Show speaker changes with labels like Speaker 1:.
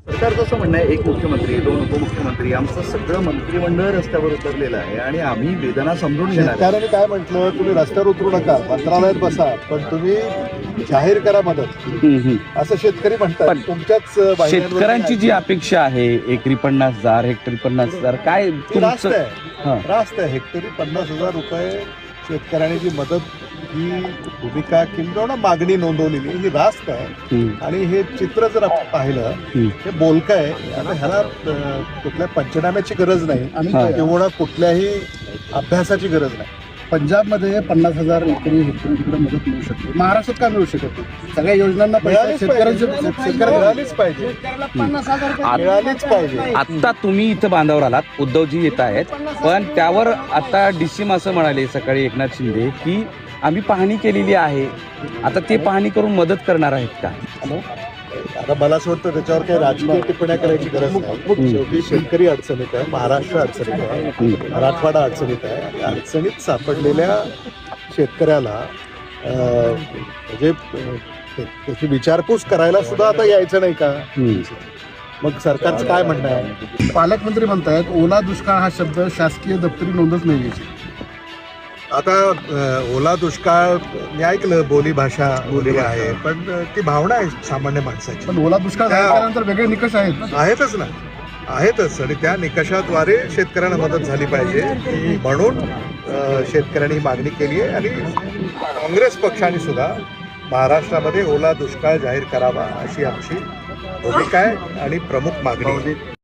Speaker 1: सरकारचं असं म्हणणं आहे, एक मुख्यमंत्री, दोन उपमुख्यमंत्री, आमचं सगळं मंत्रिमंडळ रस्त्यावर उतरलेलं आहे आणि आम्ही वेदना समजून घेणार.
Speaker 2: शेतकऱ्यांनी काय म्हटलं, तुम्ही रस्त्यावर उतरू नका, मंत्रालयात बसा, पण तुम्ही जाहीर करा मदत, असं शेतकरी म्हणतात. तुमच्याच
Speaker 3: शेतकऱ्यांची जी अपेक्षा आहे एकरी 50,000 हेक्टरी 50,000 काय
Speaker 2: रास्त
Speaker 3: तुमचं?
Speaker 2: आहे, रास्त आहे. हेक्टरी 50,000 रुपये शेतकऱ्यांनी जी मदत, ही भूमिका किंवा मागणी नोंदवलेली ही रास्त आहे. आणि हे चित्र जर आपण पाहिलं, हे बोलकं आहे. आता ह्याला कुठल्या पंचनाम्याची गरज नाही किंवा कुठल्याही अभ्यासाची गरज नाही.
Speaker 4: पंजाबमध्ये 50,000 एकरी हेक्टरी तिकडे मदत मिळू शकते, महाराष्ट्रात का मिळू शकत नाही? सगळ्या योजनांना
Speaker 2: मिळालीच पाहिजे, मिळालीच पाहिजे.
Speaker 3: आता तुम्ही इथं बांधावर आलात, उद्धवजी येत आहेत, पण त्यावर आता डीसीम असं म्हणाले सकाळी एकनाथ शिंदे की आम्ही पाहणी केलेली आहे, आता ते पाहणी करून मदत करणार आहेत का?
Speaker 2: आता मला असं वाटतं त्याच्यावर काही राजकीय टिप्पण्या करायची गरज नाही. शेवटी शेतकरी अडचणीत आहे, महाराष्ट्र अडचणीत आहे, मराठवाडा अडचणीत आहे. अडचणीत सापडलेल्या शेतकऱ्याला म्हणजे त्याची विचारपूस करायला सुद्धा आता यायचं नाही का? मग सरकारचं काय म्हणणं आहे?
Speaker 4: पालकमंत्री म्हणतायत ओला दुष्काळ हा शब्द शासकीय दप्तरी नोंदच नाही घ्यायची.
Speaker 2: आता ओला दुष्काळ मी ऐकलं, बोली भाषा बोली आहे, पण ती भावना आहे सामान्य माणसाची.
Speaker 4: पण ओला दुष्काळ झाल्यानंतर वेगळे निकष
Speaker 2: आहेतच ना, आहेतच. आणि त्या निकषाद्वारे शेतकऱ्यांना मदत झाली पाहिजे म्हणून शेतकऱ्यांनी मागणी केली आहे. आणि काँग्रेस पक्षाने सुद्धा महाराष्ट्रामध्ये ओला दुष्काळ जाहीर करावा अशी आमची भूमिका आहे आणि प्रमुख मागणी आहे.